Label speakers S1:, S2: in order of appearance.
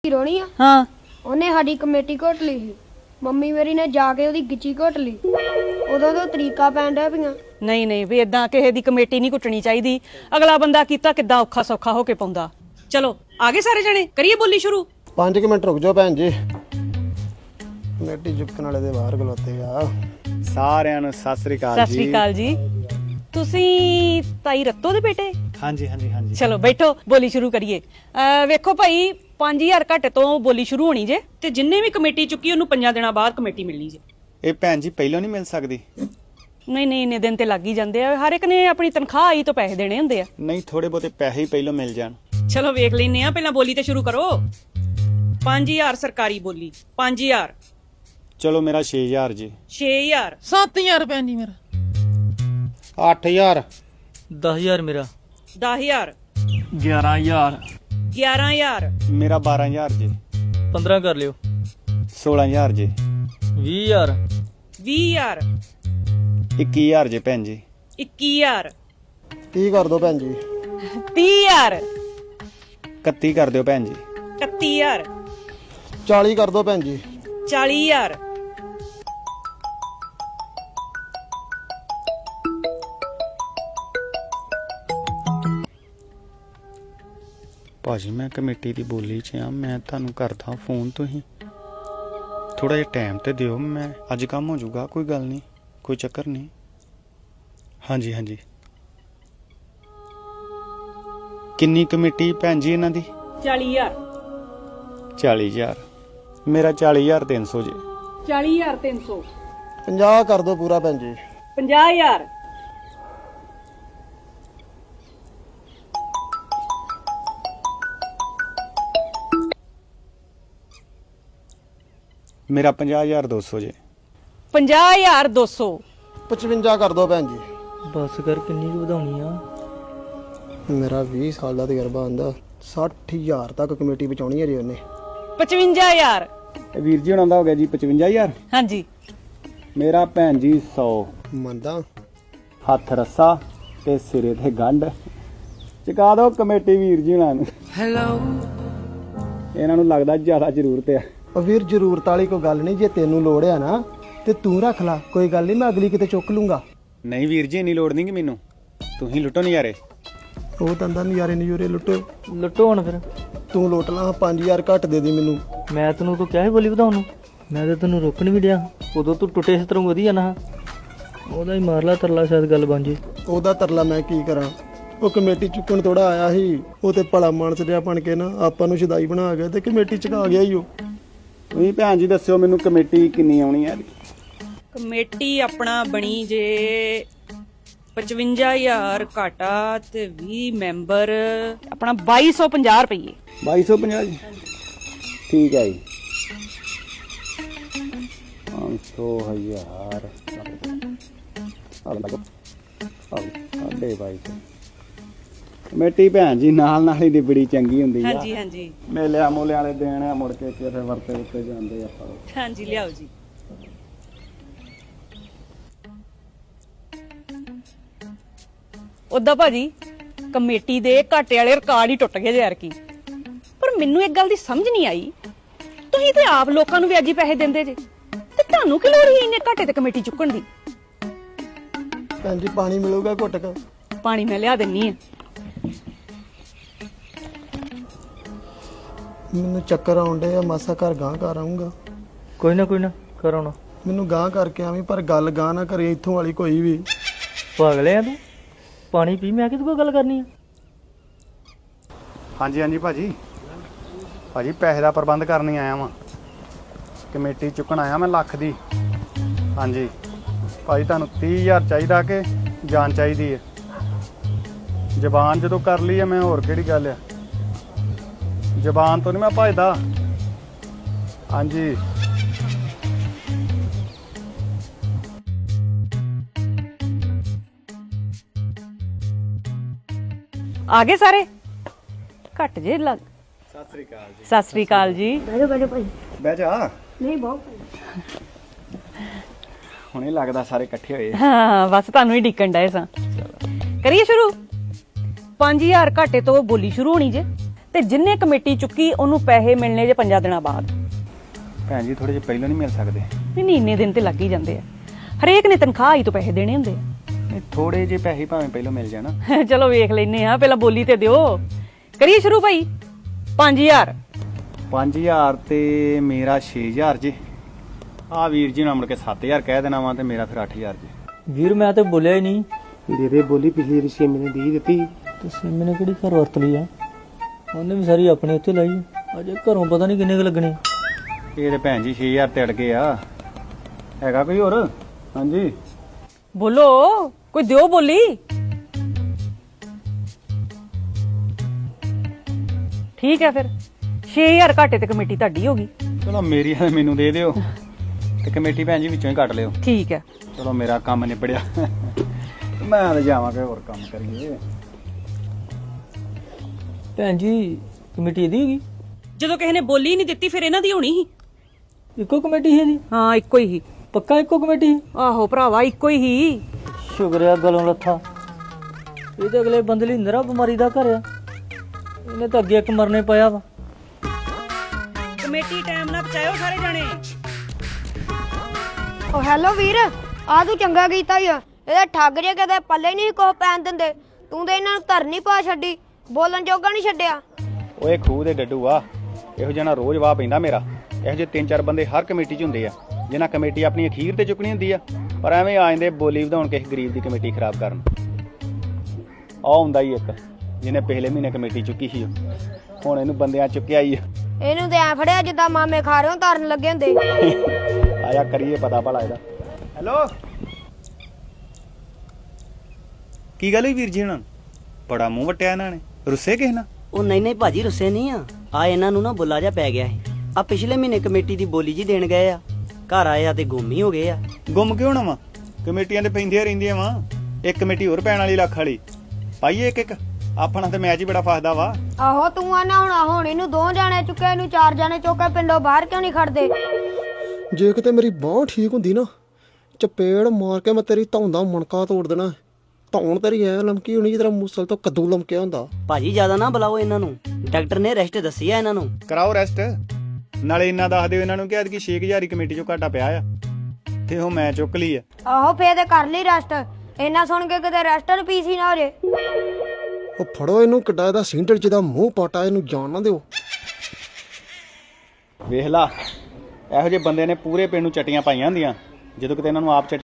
S1: ਰੋਣੀ ਆ
S2: ਹਾਂ
S1: ਉਹਨੇ ਸਾਡੀ ਕਮੇਟੀ ਘੋਟ ਲਈ ਸੀ। ਮੰਮੀ ਮੇਰੀ ਨੇ ਜਾ ਕੇ ਉਹਦੀ ਗਿੱਚੀ ਘੋਟ ਲਈ। ਉਦੋਂ ਤੋਂ ਤਰੀਕਾ ਪੈਣ ਡਿਆ ਪਈਆਂ।
S2: ਨਹੀਂ ਨਹੀਂ ਵੀ ਇਦਾਂ ਕਿਸੇ ਦੀ ਕਮੇਟੀ ਨਹੀਂ ਕੁੱਟਣੀ ਚਾਹੀਦੀ। ਅਗਲਾ ਬੰਦਾ ਕੀਤਾ ਕਿੱਦਾਂ ਔਖਾ ਸੌਖਾ ਹੋ ਕੇ ਪਾਉਂਦਾ। ਚਲੋ ਆਗੇ ਸਾਰੇ ਜਣੇ ਕਰੀਏ ਬੋਲੀ ਸ਼ੁਰੂ।
S3: 5 ਮਿੰਟ ਰੁਕ ਜਾਓ ਭੈਣ ਜੀ, ਕਮੇਟੀ ਚੁੱਕਣ ਵਾਲੇ ਦੇ ਬਾਹਰ ਖਲੋਤੇ ਆ।
S4: ਸਾਰਿਆਂ ਨੂੰ ਸਤਿ ਸ੍ਰੀ ਅਕਾਲ
S2: ਸਤਿ ਸ੍ਰੀ ਅਕਾਲ ਜੀ। ਤੁਸੀਂ ਤਾਈ ਰੱਤੋ ਦੇ ਬੇਟੇ?
S4: ਹਾਂਜੀ ਹਾਂਜੀ ਹਾਂਜੀ।
S2: ਚਲੋ ਬੈਠੋ ਬੋਲੀ ਸ਼ੁਰੂ ਕਰੀਏ। ਵੇਖੋ ਭਾਈ 5000 ਘੱਟ ਤੋਂ ਬੋਲੀ ਸ਼ੁਰੂ ਹੋਣੀ ਜੇ ਤੇ ਜਿੰਨੇ ਵੀ ਕਮੇਟੀ ਚੁੱਕੀ ਉਹਨੂੰ 5 ਦਿਨਾਂ ਬਾਅਦ ਕਮੇਟੀ ਮਿਲਣੀ ਜੇ।
S4: ਇਹ ਭੈਣ ਜੀ ਪਹਿਲਾਂ ਨਹੀਂ ਮਿਲ ਸਕਦੀ?
S2: ਨਹੀਂ ਨਹੀਂ ਇੰਨੇ ਦਿਨ ਤੇ ਲੱਗ ਹੀ ਜਾਂਦੇ ਆ। ਹਰ ਇੱਕ ਨੇ ਆਪਣੀ ਤਨਖਾਹ ਆਈ ਤੋਂ ਪੈਸੇ ਦੇਣੇ ਹੁੰਦੇ ਆ।
S4: ਨਹੀਂ ਥੋੜੇ ਬਹੁਤੇ ਪੈਸੇ ਹੀ ਪਹਿਲਾਂ ਮਿਲ ਜਾਣ।
S2: ਚਲੋ ਵੇਖ ਲੈਨੇ ਆ, ਪਹਿਲਾਂ ਬੋਲੀ ਤੇ ਸ਼ੁਰੂ ਕਰੋ। 5000 ਸਰਕਾਰੀ ਬੋਲੀ। 5000।
S4: ਚਲੋ ਮੇਰਾ 6000 ਜੀ।
S2: 6000।
S5: 7000 ਭੈਣ ਜੀ ਮੇਰਾ।
S3: 8000
S5: 10000 ਮੇਰਾ।
S2: 10000।
S5: 11000
S2: 11000।
S4: ਮੇਰਾ 12000 ਜੀ।
S5: 15 ਕਰ ਲਿਓ।
S4: 16000 ਜੀ।
S5: 20000
S2: 20000।
S4: 21000 ਜੀ ਭੈਣ ਜੀ।
S2: 21000।
S3: 30 ਕਰ ਦੋ ਭੈਣ ਜੀ।
S2: 30000।
S4: 31 ਕਰ ਦਿਓ ਭੈਣ ਜੀ।
S2: 31000।
S3: 40 ਕਰ ਦੋ ਭੈਣ ਜੀ।
S2: 40000।
S4: ਭਾਜੀ ਮੈਂ ਕਮੇਟੀ ਦੀ ਬੋਲੀ 'ਚ ਆ, ਮੈਂ ਤੁਹਾਨੂੰ ਕਰਦਾ ਫੋਨ। ਤੁਸੀਂ ਥੋੜਾ ਜਿਹਾ ਟਾਈਮ ਤੇ ਦਿਓ, ਮੈਂ ਅੱਜ ਕੰਮ ਹੋ ਜਾਊਗਾ। ਕੋਈ ਗੱਲ ਨਹੀਂ, ਕੋਈ ਚੱਕਰ ਨਹੀਂ। ਹਾਂਜੀ ਹਾਂਜੀ। ਕਿੰਨੀ ਕਮੇਟੀ ਭੈਣ ਜੀ ਇਹਨਾਂ ਦੀ?
S2: 40000।
S4: 40000। ਮੇਰਾ 40300 ਜੀ।
S2: 40300।
S3: 50 ਕਰ ਦੋ ਪੂਰਾ ਭੈਣ ਜੀ।
S2: 50000।
S4: ਮੇਰਾ 50200 ਜੀ।
S2: 50200।
S3: 55 ਕਰ ਦੋ ਭੈਣ ਜੀ।
S5: ਬਸ ਕਰ, ਕਿੰਨੀ ਕੁ ਵਧਾਉਣੀ ਆ?
S3: ਮੇਰਾ 20 ਸਾਲ ਦਾ ਤਜਰਬਾ ਆਂਦਾ 60000 ਤੱਕ ਕਮੇਟੀ ਬਚਾਉਣੀ ਹੈ ਜੀ ਉਹਨੇ।
S2: 55000।
S4: ਵੀਰ ਜੀ ਹੁਣਾਂ ਦਾ ਹੋ ਗਿਆ ਜੀ 55000।
S2: ਹਾਂਜੀ।
S4: ਮੇਰਾ ਭੈਣ ਜੀ 100।
S3: ਮੰਨਦਾ
S4: ਹੱਥ ਰੱਸਾ ਤੇ ਸਿਰੇ ਤੇ ਗੰਢ। ਚੁਕਾ ਦਿਓ ਕਮੇਟੀ ਵੀਰ ਜੀ ਹੁਣਾਂ ਨੂੰ।
S5: ਹੈਲੋ।
S4: ਇਹਨਾਂ ਨੂੰ ਲੱਗਦਾ ਜ਼ਿਆਦਾ ਜ਼ਰੂਰਤ ਆ।
S3: ਉਹ ਵੀਰ ਜ਼ਰੂਰਤ ਵਾਲੀ ਕੋਈ ਗੱਲ ਨਹੀਂ, ਜੇ ਤੈਨੂੰ ਲੋੜ ਆ ਨਾ ਤੇ ਤੂੰ ਰੱਖ ਲੈ, ਕੋਈ ਗੱਲ ਨਹੀਂ, ਮੈਂ ਅਗਲੀ ਕਿਤੇ ਚੁੱਕ ਲੂੰਗਾ।
S4: ਨਹੀਂ ਵੀਰ ਜੀ ਇੰਨੀ ਲੋੜ ਨਹੀਂ ਕਿ ਮੈਨੂੰ, ਤੁਸੀਂ ਲੁੱਟੋ ਨਜ਼ਾਰੇ।
S3: ਉਹ ਤੰਦਾ ਨਜ਼ਾਰੇ ਨਜ਼ੂਰੇ ਲੁੱਟੋ।
S5: ਲੁੱਟੋ ਹੁਣ ਫਿਰ।
S3: ਤੂੰ ਲੁੱਟ ਲਾ, 5000 ਘੱਟ ਦੇ ਦੀ ਮੈਨੂੰ।
S5: ਮੈਂ ਤੈਨੂੰ ਕੋ ਕਿਹਾ ਸੀ ਬੋਲੀ ਵਧਾਉਣ ਨੂੰ? ਮੈਂ ਤਾਂ ਤੈਨੂੰ ਰੋਕਣ ਵੀ ਡਿਆ। ਉਦੋਂ ਤੂੰ ਟੁੱਟੇ ਇਸ ਤਰ੍ਹਾਂ ਵਧੀਆ ਨਾ। ਉਹਦਾ ਹੀ ਮਾਰ ਲਾ ਤਰਲਾ, ਸ਼ਾਇਦ ਗੱਲ ਬਣ ਜੇ।
S3: ਉਹਦਾ ਤਰਲਾ ਮੈਂ ਕੀ ਕਰਾਂ? ਉਹ ਕਮੇਟੀ ਚੁੱਕਣ ਥੋੜਾ ਆਇਆ ਸੀ, ਉਹ ਤੇ ਭਲਾ ਮਾਨਸ ਜਿਹਾ ਬਣ ਕੇ ਨਾ ਆਪਾਂ ਨੂੰ ਸ਼ਦਾਈ ਬਣਾ ਗਿਆ ਤੇ ਕਮੇਟੀ ਚੁਕਾ ਗਿਆ ਹੀ ਉਹ।
S4: ਤੁਸੀਂ ਭੈਣ ਜੀ ਦੱਸਿਓ ਮੈਨੂੰ ਕਮੇਟੀ ਕਿੰਨੀ ਆਉਣੀ ਹੈ?
S2: ਕਮੇਟੀ ਆਪਣਾ ਬਣੀ ਜੇ 55000 ਘਾਟਾ ਤੇ 20 ਮੈਂਬਰ ਆਪਣਾ 2250 ਰੁਪਏ।
S4: 2250 ਜੀ। ਠੀਕ ਹੈ ਜੀ। 500,000 ਸਾਡੇ ਬਾਈ ਕਮੇਟੀ ਭੈਣ ਜੀ ਨਾਲ ਨਾਲ ਹੀ ਦੀ ਬੜੀ ਚੰਗੀ ਹੁੰਦੀ ਆ।
S2: ਹਾਂਜੀ ਹਾਂਜੀ।
S4: ਮੇਲਿਆਂ ਮੋਲਿਆਂ ਵਾਲੇ ਦੇਣ ਆ, ਮੁੜ ਕੇ ਕਿਸੇ ਵਰਤੇ ਉੱਤੇ ਜਾਂਦੇ ਆਪਾਂ।
S2: ਹਾਂਜੀ ਲਿਆਓ ਜੀ। ਉਦਾਂ ਭਾਜੀ ਕਮੇਟੀ ਦੇ ਘਾਟੇ ਵਾਲੇ ਰਿਕਾਰਡ ਹੀ ਟੁੱਟ ਗਏ ਯਾਰ ਕੀ। ਪਰ ਮੈਨੂੰ ਇੱਕ ਗੱਲ ਦੀ ਸਮਝ ਨਹੀਂ ਆਈ, ਤੁਸੀਂ ਤੇ ਆਪ ਲੋਕਾਂ ਨੂੰ ਵਿਆਜੀ ਪੈਸੇ ਦਿੰਦੇ ਜੇ ਤੇ ਤੁਹਾਨੂੰ ਕੀ ਲੋੜ ਸੀ ਇੰਨੇ ਘਾਟੇ ਤੇ ਕਮੇਟੀ ਚੁੱਕਣ ਦੀ?
S3: ਭੈਣ ਜੀ ਪਾਣੀ ਮਿਲੂਗਾ ਘੁੱਟ ਕੇ?
S2: ਪਾਣੀ ਮੈਂ ਲਿਆ ਦਿੰਨੀ ਆ।
S3: ਮੈਨੂੰ ਚੱਕਰ ਆਉਂਦੇ ਆ, ਮਾਸਾ ਘਰ ਗਾਂ ਕਰ ਆਉਂਗਾ।
S5: ਕੋਈ ਨਾ ਕਰਾਉਣਾ।
S3: ਮੈਨੂੰ ਗਾਂ ਕਰਕੇ ਆਵੀਂ, ਪਰ ਗੱਲ ਗਾਂ ਨਾ ਕਰੇ ਇੱਥੋਂ ਵਾਲੀ ਕੋਈ ਵੀ।
S5: ਪਾਗਲੇ ਆ ਤੂੰ? ਪਾਣੀ ਪੀ, ਮੈਂ ਕਿਹਦੇ ਕੋਲ ਗੱਲ ਕਰਨੀ ਆ?
S4: ਹਾਂਜੀ ਹਾਂਜੀ ਭਾਜੀ। ਭਾਜੀ ਪੈਸੇ ਦਾ ਪ੍ਰਬੰਧ ਕਰਨ ਹੀ ਆਇਆ ਵਾਂ, ਕਮੇਟੀ ਚੁੱਕਣ ਆਇਆ ਮੈਂ ਲੱਖ ਦੀ। ਹਾਂਜੀ ਭਾਜੀ ਤੁਹਾਨੂੰ 30000 ਚਾਹੀਦਾ ਕਿ ਜਾਨ ਚਾਹੀਦੀ ਹੈ? ਜ਼ਬਾਨ ਜਦੋਂ ਕਰ ਲਈ ਹੈ ਮੈਂ, ਹੋਰ ਕਿਹੜੀ ਗੱਲ ਆ? ਜ਼ਬਾਨ ਤੋਂ ਨਹੀਂ ਮੈਂ ਭੱਜਦਾ। ਹਾਂਜੀ
S2: ਆ ਗਏ ਸਾਰੇ? ਘੱਟ ਜੇ ਲੱਗ।
S4: ਸਤਿ ਸ੍ਰੀ ਅਕਾਲ ਜੀ।
S2: ਸਤਿ ਸ੍ਰੀ ਅਕਾਲ ਜੀ।
S1: ਬੈਠੋ ਭਾਈ।
S4: ਬਹਿ ਜਾ।
S1: ਨਹੀਂ ਬਹੁਤ
S4: ਹੁਣੇ ਲੱਗਦਾ ਸਾਰੇ ਇਕੱਠੇ ਹੋਏ।
S2: ਹਾਂ ਬਸ ਤੁਹਾਨੂੰ ਹੀ ਡਿੱਕਣ ਡਏ ਸਾਂ। ਕਰੀਏ ਸ਼ੁਰੂ। 5000 ਘਾਟੇ ਤੋਂ ਬੋਲੀ ਸ਼ੁਰੂ ਹੋਣੀ ਜੇ ਤੇ ਜਿੰਨੇ ਕਮੇਟੀ ਚੁੱਕੀ ਉਹਨੂੰ ਪੈਸੇ ਮਿਲਣੇ ਜੇ 5 ਦਿਨਾਂ ਬਾਅਦ।
S4: ਭੈਣ ਜੀ ਥੋੜੇ ਜਿਹੇ ਪਹਿਲਾਂ ਨਹੀਂ ਮਿਲ ਸਕਦੇ?
S2: ਨਹੀਂ ਇੰਨੇ ਦਿਨ ਤੇ ਲੱਗ ਹੀ ਜਾਂਦੇ ਆ, ਹਰੇਕ ਨੇ ਤਨਖਾਹ ਹੀ ਤੋਂ ਪੈਸੇ ਦੇਣੇ ਹੁੰਦੇ
S4: ਨਹੀਂ ਥੋੜੇ ਜਿਹੇ ਪੈਸੇ ਭਾਵੇਂ ਪਹਿਲਾਂ ਮਿਲ ਜਾਣ।
S2: ਆ। ਚਲੋ ਵੇਖ ਲੈਨੇ ਆ, ਪਹਿਲਾਂ ਬੋਲੀ ਤੇ ਦਿਓ। ਕਰੀਏ ਸ਼ੁਰੂ ਭਾਈ। 5000
S4: 5000 ਤੇ ਮੇਰਾ 6000 ਜੀ। ਆ ਵੀਰ ਜੀ ਨਾਲ ਮੁੜ ਕੇ 7000 ਕਹਿ ਦੇਣਾ ਵਾ ਤੇ ਮੇਰਾ ਫਿਰ 8000 ਜੀ।
S5: ਵੀਰ ਮੈਂ ਤੇ ਬੋਲਿਆ ਹੀ ਨਹੀਂ।
S3: ਦੇ ਬੋਲੀ ਪਿਛਲੀ ਵਾਰੀ 6 ਮਹੀਨੇ ਦੀ ਦਿੱਤੀ
S5: ਤੇ ਸਿੰਮੀ ਨੇ ਕਿਹੜੀ ਘਰ ਵਰਤ ਲਈ ਆ? ਉਹਨੇ ਵੀ ਸਾਰੀ ਆਪਣੇ ਉੱਤੇ ਲਾਈ ਆ। ਅਜੇ ਘਰੋਂ ਪਤਾ ਨਹੀਂ ਕਿੰਨੇ ਕੁ ਲੱਗਣੇ।
S4: ਇਹ ਤੇ ਭੈਣ ਜੀ 6000 ਤੇ ਅੜ ਗਏ ਆ। ਹੈਗਾ ਕੋਈ ਹੋਰ? ਹਾਂਜੀ
S2: ਬੋਲੋ, ਕੋਈ ਦਿਓ ਬੋਲੀ। ਠੀਕ ਹੈ ਫਿਰ 6000 ਘਾਟੇ ਤੇ ਕਮੇਟੀ ਤੁਹਾਡੀ ਹੋ ਗਈ।
S4: ਚਲੋ ਮੇਰੀ ਆ ਮੈਨੂੰ ਦੇ ਦਿਓ ਤੇ ਕਮੇਟੀ ਭੈਣ ਜੀ ਵਿੱਚੋਂ ਹੀ ਕੱਟ ਲਿਓ।
S2: ਠੀਕ ਹੈ।
S4: ਚਲੋ ਮੇਰਾ ਕੰਮ ਨਿਬੜਿਆ। ਮੈਂ ਤਾਂ ਜਾਵਾਂਗਾ ਹੋਰ ਕੰਮ ਕਰੀਏ।
S5: ਭੈਣ ਜੀ ਕਮੇਟੀ ਇਹਦੀ ਹੈਗੀ?
S2: ਜਦੋਂ ਕਿਸੇ ਨੇ ਬੋਲੀ ਨਹੀਂ ਦਿੱਤੀ ਫਿਰ ਇਹਨਾਂ ਦੀ ਹੋਣੀ ਸੀ।
S5: ਇੱਕੋ ਕਮੇਟੀ ਹੈ ਜੀ?
S2: ਹਾਂ ਇੱਕੋ ਹੀ ਸੀ।
S5: ਪੱਕਾ ਇੱਕੋ ਕਮੇਟੀ?
S2: ਆਹੋ ਭਰਾਵਾ ਇੱਕੋ ਹੀ ਸੀ।
S5: ਸ਼ੁਕਰਿਆ ਗਲੋਂ ਲੱਥਾ। ਇਹ ਤਾਂ ਅਗਲੇ ਬੰਦੇ ਲਈ ਨਰਾ ਬਿਮਾਰੀ ਦਾ ਘਰ ਆ। ਇਹਨੇ ਤਾਂ ਅੱਗੇ ਇੱਕ ਮਰਨੇ ਪਿਆ ਵਾ।
S2: ਕਮੇਟੀ ਟਾਈਮ ਨਾਲ ਪਹੁੰਚਾਇਓ ਸਾਰੇ ਜਣੇ।
S1: ਓ ਹੈਲੋ ਵੀਰ, ਆ ਤੂੰ ਚੰਗਾ ਕੀਤਾ ਈ ਆ। ਇਹਦੇ ਠੱਗ ਜੇ ਕਦੇ ਪੱਲੇ ਨਹੀਂ ਕੋ ਪੈਣ ਦਿੰਦੇ। ਤੂੰ ਤੇ ਇਹਨਾਂ ਨੂੰ ਧਰਨੀ ਪਾ ਛੱਡੀ, ਬੋਲਣ ਜੋਗਾ ਨਹੀਂ ਛੱਡਿਆ।
S4: ਓਏ ਖੂਹ ਦੇ ਡੱਡੂ ਆ, ਇਹੋ ਜਿਹਾ ਨਾ ਰੋਜ਼ ਵਾਹ ਪੈਂਦਾ ਮੇਰਾ। ਇਹੋ ਜਿਹੇ 3-4 ਬੰਦੇ ਹਰ ਕਮੇਟੀ 'ਚ ਹੁੰਦੇ ਆ ਜਿਨ੍ਹਾਂ ਕਮੇਟੀ ਆਪਣੀ ਅਖੀਰ ਤੇ ਚੁੱਕਣੀ ਹੁੰਦੀ ਆ, ਪਰ ਐਵੇਂ ਆ ਜਾਂਦੇ ਬੋਲੀ ਵਧਾਉਣ ਕਿਸੇ ਗਰੀਬ ਦੀ ਕਮੇਟੀ ਖਰਾਬ ਕਰਨ। ਆਹ ਹੁੰਦਾ ਹੀ ਇੱਕ ਜਿਹਨੇ ਪਿਛਲੇ ਮਹੀਨੇ ਕਮੇਟੀ ਚੁੱਕੀ ਸੀ, ਹੁਣ ਇਹਨੂੰ ਬੰਦਿਆਂ ਚੁੱਕਿਆ ਹੀ ਆ।
S1: ਇਹਨੂੰ ਤੇ ਐ ਫੜਿਆ ਜਿੱਦਾਂ ਮਾਮੇ ਖਾ ਰਹੇ ਹੋ ਧਰਨ ਲੱਗੇ ਹੁੰਦੇ।
S4: ਆਇਆ ਕਰੀਏ ਪਤਾ ਭਲਾ ਇਹਦਾ। ਹੈਲੋ ਕੀ ਗੱਲ ਹੋਈ ਵੀਰ ਜੀ? ਹੁਣ ਬੜਾ ਮੂੰਹ ਵਟਿਆ ਇਹਨਾਂ ਨੇ। ਰੁੱਸੇ ਕਿਸ ਨਾਲ?
S6: ਉਹ ਨਹੀਂ ਨਹੀਂ ਭਾਜੀ ਰੁੱਸੇ ਨਹੀਂ ਆ ਇਹਨਾਂ ਨੂੰ ਨਾ ਬੁੱਲਾ ਜਾ ਪੈ ਗਿਆ ਸੀ। ਆ ਪਿਛਲੇ ਮਹੀਨੇ ਕਮੇਟੀ ਦੀ ਬੋਲੀ ਜੀ ਦੇਣ ਗਏ ਆ, ਘਰ ਆਏ ਆ ਤੇ ਗੁੰਮ ਹੀ ਹੋ ਗਏ ਆ।
S4: ਗੁੰਮ ਕਿਉਂ ਨਾ ਵਾ? ਕਮੇਟੀਆਂ ਤੇ ਪੈਂਦੀਆਂ ਰਹਿੰਦੀਆਂ ਵਾ। ਇੱਕ ਕਮੇਟੀ ਹੋਰ ਪੈਣ ਵਾਲੀ ਲੱਖ ਵਾਲੀ ਪਾਈਏ ਇੱਕ ਆਪਣਾ ਤੇ ਮੈਚ ਹੀ ਬੜਾ ਫਸਦਾ ਵਾ।
S1: ਆਹੋ ਤੂੰ ਆਨਾ ਹੁਣ ਇਹਨੂੰ 2 ਜਾਣੇ ਚੁੱਕੇ, ਇਹਨੂੰ 4 ਜਾਣੇ ਚੁੱਕੇ, ਪਿੰਡੋਂ ਬਾਹਰ ਕਿਉਂ ਨਹੀਂ ਖੜਦੇ?
S3: ਜੇ ਕਿਤੇ ਮੇਰੀ ਬਾਂਹ ਠੀਕ ਹੁੰਦੀ ਨਾ, ਚਪੇੜ ਮਾਰ ਕੇ ਮੈਂ ਤੇਰੀ ਧੌਣ ਦਾ ਮਣਕਾ ਤੋੜ ਦੇਣਾ। ਧੌਣ ਤੇਰੀ ਐ ਲਮਕੀ ਹੋਣੀ ਜਿੱਦਾਂ ਮੂਸਲ ਤੋਂ ਕੱਦੂ ਲਮਕਿਆ ਹੁੰਦਾ।
S6: ਭਾਜੀ ਜ਼ਿਆਦਾ ਨਾ ਬੁਲਾਓ ਇਹਨਾਂ ਨੂੰ, ਡਾਕਟਰ ਨੇ ਰੈਸਟ ਦੱਸੀ ਆ ਇਹਨਾਂ ਨੂੰ।
S4: ਕਰਾਓ ਰੈਸਟ। ਨਾਲੇ ਇੰਨਾ ਦੱਸ ਦਿਓ ਇਹਨਾਂ ਨੂੰ ਕਿ ਐਤਕੀ 6000 ਦੀ ਕਮੇਟੀ ਚੋਂ ਘਾਟਾ ਪਿਆ ਆ ਤੇ ਉਹ ਮੈਂ ਚੁੱਕ ਲਈ ਆ।
S1: ਆਹੋ ਫੇਰ ਤੇ ਕਰ ਲਈ ਰੈਸਟ। ਇਹਨਾਂ ਸੁਣ ਕੇ ਕਿਤੇ ਰੈਸਟਰ ਪੀਸੀ ਨਾ ਹੋ ਜੇ।
S3: ਉਹ ਫੜੋ ਇਹਨੂੰ, ਕਿੱਡਾ ਇਹਦਾ ਸਿੰਡਲ ਜਿਹਦਾ ਮੂੰਹ ਪਾਟਾ, ਇਹਨੂੰ ਜਾਣ ਨਾ ਦਿਓ।
S4: ਵੇਖ ਲਾ ਇਹੋ ਜਿਹੇ ਬੰਦੇ ਨੇ ਪੂਰੇ ਪਿੰਡ ਨੂੰ ਚਟੀਆਂ ਪਾਈਆਂ ਹੁੰਦੀਆਂ, ਜਦੋਂ ਕਿਤੇ ਇਹਨਾਂ ਨੂੰ ਆਪ